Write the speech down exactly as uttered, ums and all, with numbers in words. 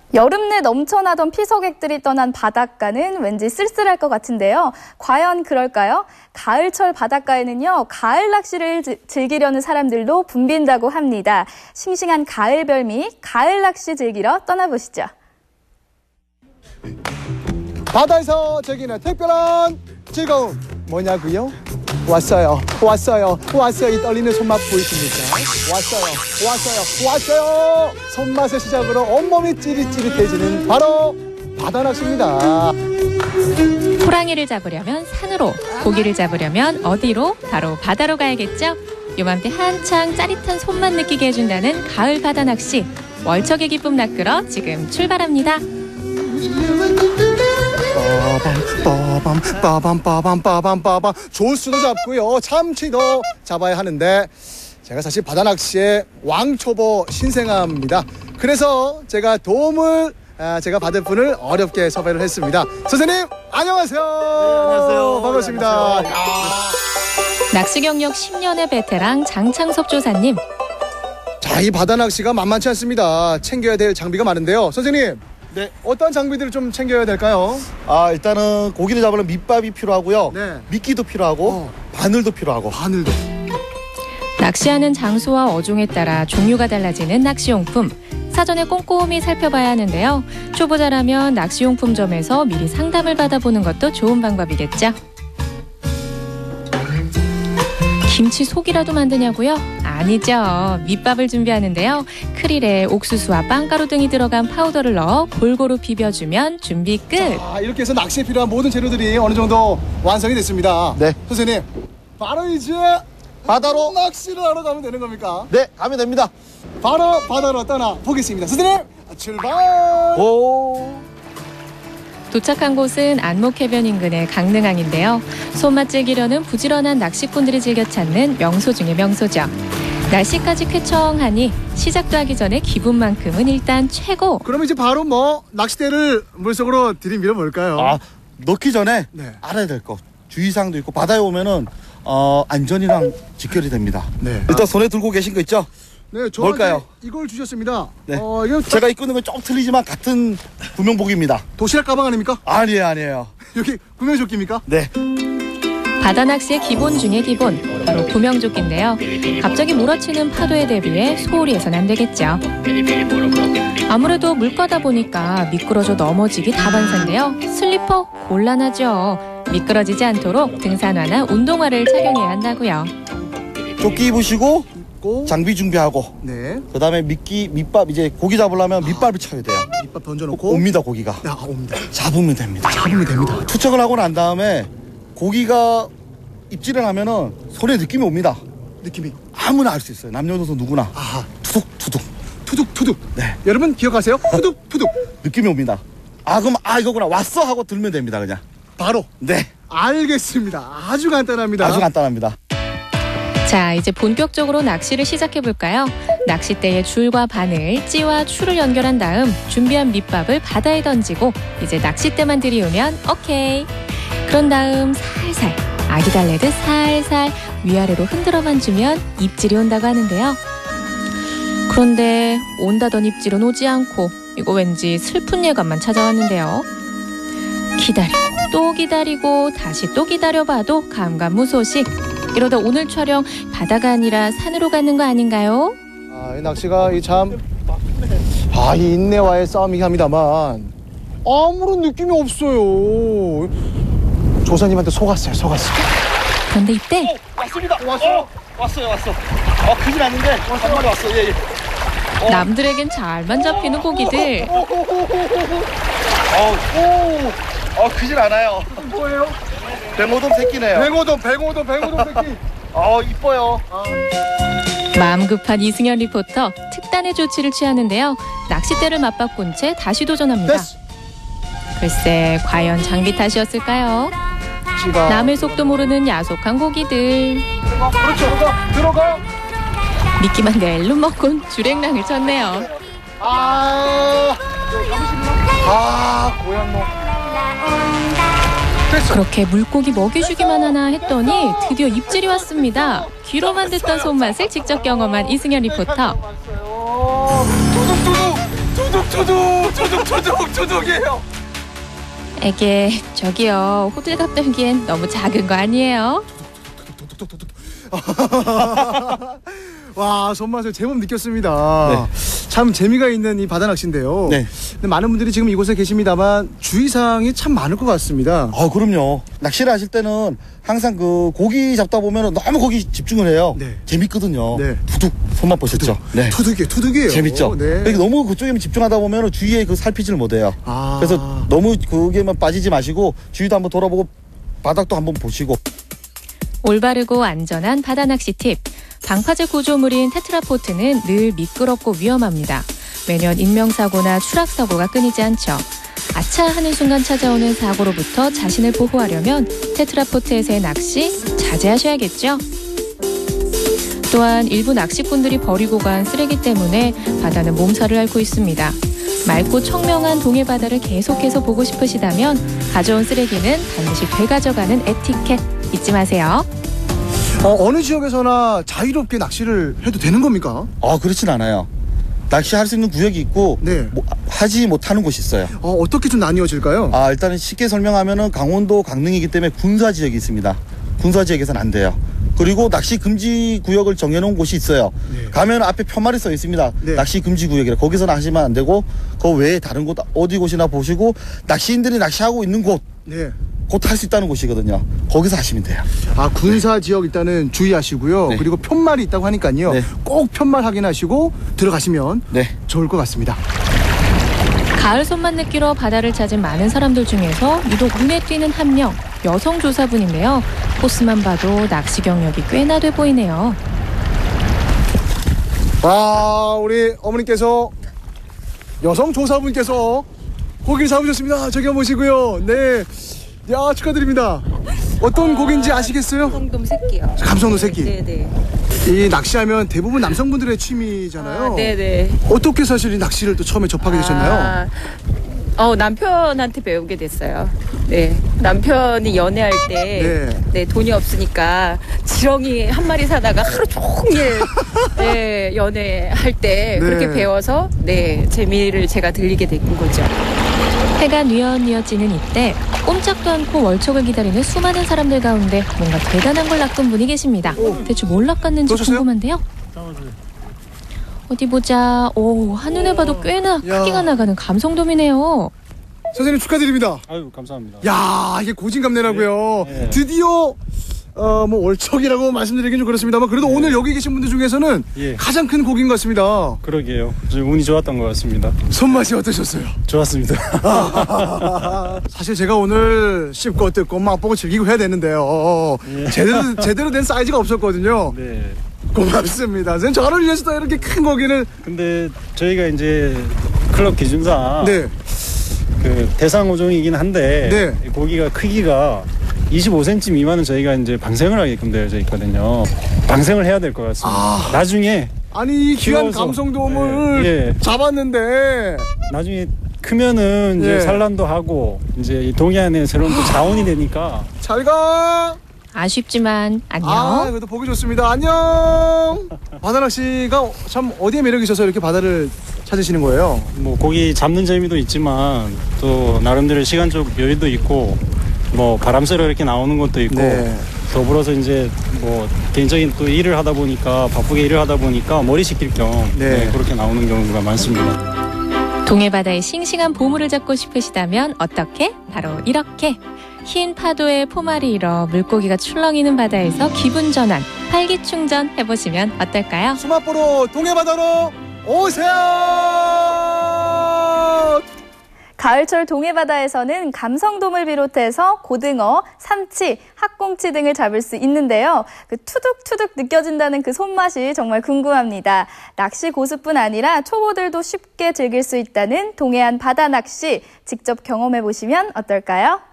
여름 내 넘쳐나던 피서객들이 떠난 바닷가는 왠지 쓸쓸할 것 같은데요. 과연 그럴까요? 가을철 바닷가에는요, 가을 낚시를 즐기려는 사람들도 붐빈다고 합니다. 싱싱한 가을 별미, 가을 낚시 즐기러 떠나보시죠. 바다에서 즐기는 특별한 즐거움 뭐냐고요? 왔어요, 왔어요, 왔어요. 이 떨리는 손맛 보이십니까? 왔어요, 왔어요, 왔어요. 손맛의 시작으로 온몸이 찌릿찌릿해지는 바로 바다 낚시입니다. 호랑이를 잡으려면 산으로, 고기를 잡으려면 어디로? 바로 바다로 가야겠죠? 요맘때 한창 짜릿한 손맛 느끼게 해준다는 가을 바다 낚시. 월척의 기쁨 낚으러 지금 출발합니다. 빠밤 빠밤 빠밤 빠밤 빠밤 조수도 잡고요, 참치도 잡아야 하는데 제가 사실 바다 낚시의 왕초보 신생아입니다. 그래서 제가 도움을 제가 받을 분을 어렵게 섭외를 했습니다. 선생님 안녕하세요. 네, 안녕하세요. 반갑습니다. 안녕하세요. 낚시 경력 십 년의 베테랑 장창섭 조사님. 자, 이 바다 낚시가 만만치 않습니다. 챙겨야 될 장비가 많은데요. 선생님, 네. 어떤 장비들을 좀 챙겨야 될까요? 아, 일단은 고기를 잡으려면 밑밥이 필요하고요. 네. 미끼도 필요하고 어. 바늘도 필요하고. 바늘도. 낚시하는 장소와 어종에 따라 종류가 달라지는 낚시용품. 사전에 꼼꼼히 살펴봐야 하는데요. 초보자라면 낚시용품점에서 미리 상담을 받아보는 것도 좋은 방법이겠죠. 김치 속이라도 만드냐고요? 아니죠. 밑밥을 준비하는데요. 크릴에 옥수수와 빵가루 등이 들어간 파우더를 넣어 골고루 비벼주면 준비 끝. 자, 이렇게 해서 낚시에 필요한 모든 재료들이 어느 정도 완성이 됐습니다. 네. 선생님, 바로 이제 바다로. 낚시를 하러 가면 되는 겁니까? 네, 가면 됩니다. 바로 바다로 떠나 보겠습니다. 선생님, 출발! 오. 도착한 곳은 안목해변 인근의 강릉항인데요. 손맛 즐기려는 부지런한 낚시꾼들이 즐겨 찾는 명소 중의 명소죠. 날씨까지 쾌청하니 시작도 하기 전에 기분만큼은 일단 최고. 그럼 이제 바로 뭐 낚싯대를 물속으로 들이밀어 볼까요? 아, 넣기 전에 네. 알아야 될 것. 주의사항도 있고 바다에 오면은 어, 안전이랑 직결이 됩니다. 네. 일단 손에 들고 계신 거 있죠? 네, 저한테 뭘까요? 이걸 주셨습니다. 네. 어, 이거 제가 입고 있는 건 좀 틀리지만 같은 구명복입니다. 도시락 가방 아닙니까? 아니에요, 아니에요. 여기 구명조끼입니까? 네. 바다 낚시의 기본 중의 기본, 바로 구명조끼인데요. 갑자기 몰아치는 파도에 대비해 소홀히 해서는 안 되겠죠. 아무래도 물가다 보니까 미끄러져 넘어지기 다반사인데요. 슬리퍼 곤란하죠. 미끄러지지 않도록 등산화나 운동화를 착용해야 한다고요. 조끼 입으시고 고. 장비 준비하고 네. 그 다음에 미끼, 밑밥, 이제 고기 잡으려면 밑밥을 쳐야 돼요. 밑밥 던져놓고 옵니다, 고기가. 야, 옵니다. 잡으면 됩니다. 잡으면 됩니다. 투척을 하고 난 다음에 고기가 입질을 하면은 손에 느낌이 옵니다. 느낌이. 아무나 알 수 있어요. 남녀노소 누구나. 아하. 투둑, 투둑. 투둑 투둑. 네. 여러분 기억하세요? 투둑 투둑. 느낌이 옵니다. 아, 그럼 아, 이거구나. 왔어 하고 들면 됩니다, 그냥. 바로. 네. 알겠습니다. 아주 간단합니다. 아주 간단합니다. 자, 이제 본격적으로 낚시를 시작해볼까요? 낚싯대에 줄과 바늘, 찌와 추를 연결한 다음 준비한 밑밥을 바다에 던지고 이제 낚싯대만 들이우면 오케이. 그런 다음 살살, 아기 달래듯 살살 위아래로 흔들어만 주면 입질이 온다고 하는데요. 그런데 온다던 입질은 오지 않고 이거 왠지 슬픈 예감만 찾아왔는데요. 기다리고 또 기다리고 다시 또 기다려봐도 감감무소식. 이러다 오늘 촬영 바다가 아니라 산으로 가는 거 아닌가요? 아, 이 낚시가 이 참, 아, 이 인내와의 싸움이긴 합니다만 아무런 느낌이 없어요. 조사님한테 속았어요, 속았어요. 그런데 이때 오, 왔습니다. 왔어. 왔어요, 왔어. 어, 크진 않는데 한 마리 왔어. 예, 예. 어. 남들에겐 잘만 잡히는 고기들. 어, 오, 어, 크진 않아요. 뭐예요? 뱅오돔 새끼네요. 뱅오돔, 뱅오돔, 뱅오돔 새끼. 어, 이뻐요. 아. 마음 급한 이승현 리포터 특단의 조치를 취하는데요. 낚싯대를 맞바꾼 채 다시 도전합니다. 됐어. 글쎄 과연 장비 탓이었을까요? 지가. 남의 속도 모르는 야속한 고기들. 그렇죠. 들어가, 들어가. 미끼만 낼름 먹곤 주랭랑을 쳤네요. 아, 아, 고양노. 됐어. 그렇게 물고기 먹여주기만 하나 했더니 드디어 입질이 왔습니다. 귀로만 듣던 손맛을 직접 경험한 이승현 리포터. 두둑두둑. 투둑 투둑 투둑 투둑 투둑이에요. 에게, 저기요. 호들갑 떨기엔 너무 작은 거 아니에요? 와, 손맛을 제법 느꼈습니다. 네. 참 재미가 있는 이 바다 낚시인데요. 네. 근데 많은 분들이 지금 이곳에 계십니다만 주의사항이 참 많을 것 같습니다. 아, 그럼요. 낚시를 하실 때는 항상 그 고기 잡다 보면 너무 거기 집중을 해요. 네. 재밌거든요. 네. 투둑 손맛 보셨죠? 네. 투둑이에요, 투둑이에요. 재밌죠? 네. 그러니까 너무 그쪽에만 집중하다 보면 주위에 그 살피지를 못해요. 아. 그래서 너무 거기에만 빠지지 마시고 주위도 한번 돌아보고 바닥도 한번 보시고. 올바르고 안전한 바다 낚시 팁. 방파제 구조물인 테트라포트는 늘 미끄럽고 위험합니다. 매년 인명사고나 추락사고가 끊이지 않죠. 아차 하는 순간 찾아오는 사고로부터 자신을 보호하려면 테트라포트에서의 낚시 자제하셔야겠죠. 또한 일부 낚시꾼들이 버리고 간 쓰레기 때문에 바다는 몸살을 앓고 있습니다. 맑고 청명한 동해 바다를 계속해서 보고 싶으시다면 가져온 쓰레기는 반드시 되가져가는 에티켓 잊지 마세요. 어, 어느 지역에서나 자유롭게 낚시를 해도 되는 겁니까? 아, 그렇진 않아요. 낚시할 수 있는 구역이 있고 네. 뭐, 하지 못하는 곳이 있어요. 어, 어떻게 좀 나뉘어질까요? 아, 일단은 쉽게 설명하면은 강원도 강릉이기 때문에 군사 지역이 있습니다. 군사 지역에서는 안 돼요. 그리고 낚시 금지 구역을 정해놓은 곳이 있어요. 네. 가면 앞에 편말이 써 있습니다. 네. 낚시 금지 구역이라 거기서는 하시면 안 되고 그 외에 다른 곳 어디 곳이나 보시고 낚시인들이 낚시하고 있는 곳 네. 곧 할 수 있다는 곳이거든요. 거기서 하시면 돼요. 아, 군사 지역 일단은 주의하시고요. 네. 그리고 편말이 있다고 하니까요. 네. 꼭 편말 확인하시고 들어가시면 네. 좋을 것 같습니다. 가을 손맛 느끼러 바다를 찾은 많은 사람들 중에서 유독 눈에 띄는 한 명, 여성 조사분인데요. 코스만 봐도 낚시 경력이 꽤나 돼 보이네요. 와, 우리 어머님께서 여성 조사분께서 고기를 잡으셨습니다. 저기 한번 보시고요. 네. 야, 축하드립니다. 어떤 아, 고기인지 아시겠어요? 감성돔 새끼요. 감성돔 새끼. 네네. 이 낚시하면 대부분 남성분들의 취미잖아요. 아, 네네. 어떻게 사실 이 낚시를 또 처음에 접하게 되셨나요? 아, 어, 남편한테 배우게 됐어요. 네. 남편이 연애할 때, 네. 네. 돈이 없으니까 지렁이 한 마리 사다가 하루 종일, 네, 연애할 때 네. 그렇게 배워서, 네, 재미를 제가 들리게 된 거죠. 해가 뉘엿뉘엿지는 이때 꼼짝도 않고 월척을 기다리는 수많은 사람들 가운데 뭔가 대단한 걸 낚은 분이 계십니다. 대체 뭘 낚았는지 넣으셨어요? 궁금한데요. 어디 보자. 오, 한눈에 봐도 꽤나 야. 크기가 나가는 감성돔이네요. 선생님 축하드립니다. 아유, 감사합니다. 야, 이게 고진감래라고요. 네, 네. 드디어 어, 뭐 월척이라고 말씀드리긴 좀 그렇습니다만 그래도 네. 오늘 여기 계신 분들 중에서는 예. 가장 큰 고기인 것 같습니다. 그러게요. 좀 운이 좋았던 것 같습니다. 손맛이 어떠셨어요? 좋았습니다. 사실 제가 오늘 씹고 뜯고 맛보고 즐기고 해야 되는데요. 예. 제대로 제대로 된 사이즈가 없었거든요. 네. 고맙습니다. 선생님 저를 위해서 또 이렇게 큰 고기를 근데 저희가 이제 클럽 기준상 네. 그 대상 어종이긴 한데 네. 이 고기가 크기가 이십오 센티미터 미만은 저희가 이제 방생을 하게끔 되어져 있거든요. 방생을 해야 될 것 같습니다. 아. 나중에 아니 이 귀한 키워서. 감성돔을 네. 예. 잡았는데 나중에 크면은 이제 예. 산란도 하고 이제 이 동해안에 새로운 또 자원이 되니까 잘 가. 아쉽지만 안녕. 아, 그래도 보기 좋습니다. 안녕. 바다낚시가 참 어디에 매력이 있어서 이렇게 바다를 찾으시는 거예요? 뭐 고기 잡는 재미도 있지만 또 나름대로 시간적 여유도 있고 뭐 바람 쐬러 이렇게 나오는 것도 있고 네. 더불어서 이제 뭐 개인적인 또 일을 하다 보니까 바쁘게 일을 하다 보니까 머리 식힐 겸 네. 네, 그렇게 나오는 경우가 많습니다. 동해바다의 싱싱한 보물을 잡고 싶으시다면 어떻게? 바로 이렇게. 흰 파도에 포말이 일어 물고기가 출렁이는 바다에서 기분 전환, 활기충전 해보시면 어떨까요? 수맛보러 동해바다로 오세요. 가을철 동해바다에서는 감성돔을 비롯해서 고등어, 삼치, 학꽁치 등을 잡을 수 있는데요. 그 투둑투둑 느껴진다는 그 손맛이 정말 궁금합니다. 낚시 고수뿐 아니라 초보들도 쉽게 즐길 수 있다는 동해안 바다 낚시 직접 경험해 보시면 어떨까요?